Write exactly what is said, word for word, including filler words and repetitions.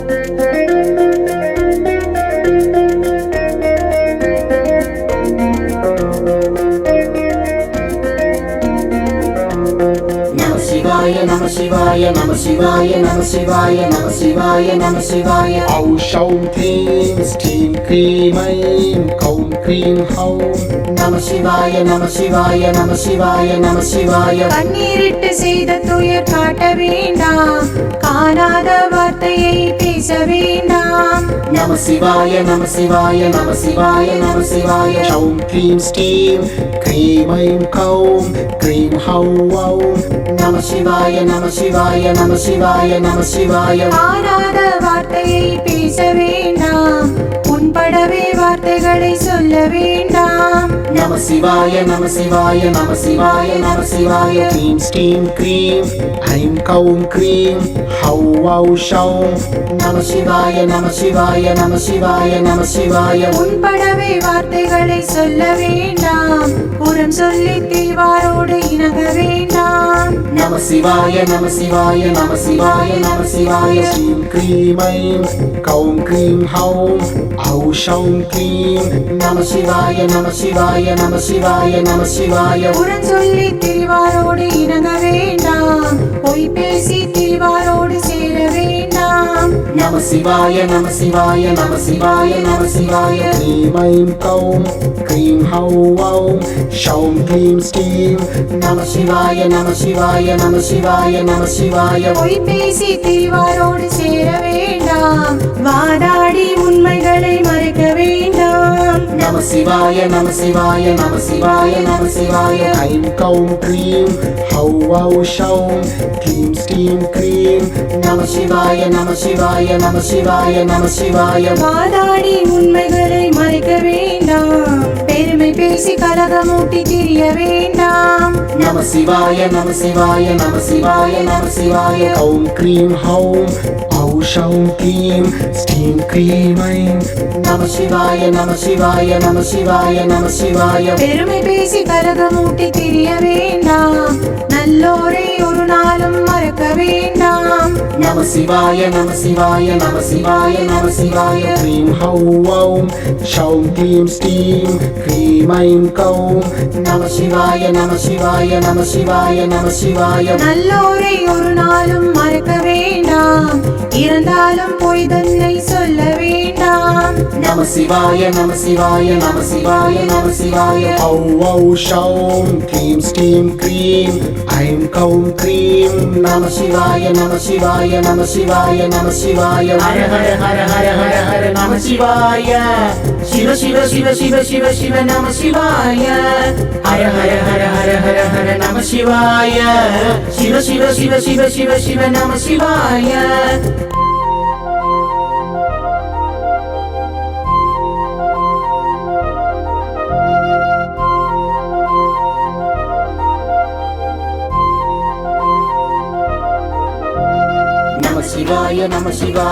Namah Shivaya, Namah Shivaya, Namah Shivaya, Namah Shivaya, Namah Shivaya. Om Shaum Klim Steam Krim Aim Kaum Krim Haum. Namah Shivaya, Namah Shivaya, Namah Shivaya, Namah Shivaya. கண்ணீரிட்டு செய்த துயர் காட்ட வேண்டாம், காணாத வார்த்தையை பேச வேண்டாம். Namah Shivaya, Namah Shivaya, Namah Shivaya, Namah Shivaya. Shaum Klim Steam Krim Aim Kaum Krim Haum. Namah Shivaya, Namah Shivaya, Namah Shivaya, Namah Shivaya. காணாத வார்த்தையை பேச வேண்டாம், உன்படவே வார்த்தைகளை சொல்ல வேண்டாம். Namah Shivaya, Namah Shivaya, Namah Shivaya, Namah Shivaya. Klim Steam Krim Aim Kaum Krim Hau Au Shaum. Namah Shivaya, Namah Shivaya, Namah Shivaya, Namah Shivaya. உன்படவே வார்த்தைகளை சொல்ல வேண்டாம், புறம் சொல்லி தீவாரோடு இணங்க வேண்டாம். Namah Shivaya, Namah Shivaya, Namah Shivaya, Namah Shivaya. Steam Krim Aim Kaum Krim Haum Au Shaum Krim. Namah Shivaya, Namah Shivaya, Namah Shivaya, Namah Shivaya. புறம் சொல்லி திரிவாரோடு இணங்க வேண்டாம், பொய் பேசி திரிவாரோடு சேர வேண்டாம். Namah Shivaya, Namah Shivaya, Namah Shivaya, Namah Shivaya. Krim Aim Kaum Krim Hau Au Shaum Klim Steam. Namah Shivaya, Namah Shivaya, Namah Shivaya, Namah Shivaya. பொய் பேசி திரிவாரோடு சேர வேண்டாம், வாதாடி உண்மைகளை மறைக்க வேண்டாம். Namah Shivaya, Namah Shivaya, Namah Shivaya, Namah Shivaya. Aim Kaum Krim Hau Au Shaum Klim Steam Krim. Namah Shivaya, Namah Shivaya, Namah Shivaya, Namah Shivaya. வாதாடி உண்மைகளை மறைக்க வேண்டாம், பெருமை பேசி கலகமூட்டி திரிய வேண்டாம். Namah Shivaya, Namah Shivaya, Namah Shivaya, Namah Shivaya. Kaum Krim Haum Au Shaum Klim Steam Krim Aim. Namah Shivaya, Namah Shivaya, Namah Shivaya, Namah Shivaya. பெருமை பேசி கலகமூட்டி திரிய வேண்டாம், நல்லோரை ஒரு நாளும் மறக்க வேண்டாம். Namah Shivaya, Namah Shivaya, Namah Shivaya, Namah Shivaya. Krim Hau Au Shaum Klim Steam Krim Aim Kaum. Namah Shivaya, Namah Shivaya, Namah Shivaya, Namah Shivaya. நல்லோரை ஒரு நாளும் மறக்க வேண்டாம், இறந்தாலும் பொய் தன்னை சொல்ல வேண்டாம். Namah Shivaya, Namah Shivaya, Namah Shivaya, Namah Shivaya. Au Au Shaum Klim Steam Krim Aim Kaum Krim. Namah Shivaya, Namah Shivaya, Namah Shivaya, Namah Shivaya. Hare Hare Hare Hare Hare Hare Namah Shivaya. Shiva Shiva Shiva Shiva Shiva Shiva Namah Shivaya. Hare Hare Hare Hare Hare Hare Namah Shivaya. Shiva Shiva Shiva Shiva Shiva Shiva Namah Shivaya. Namah Shivaya, Namah Shivaya.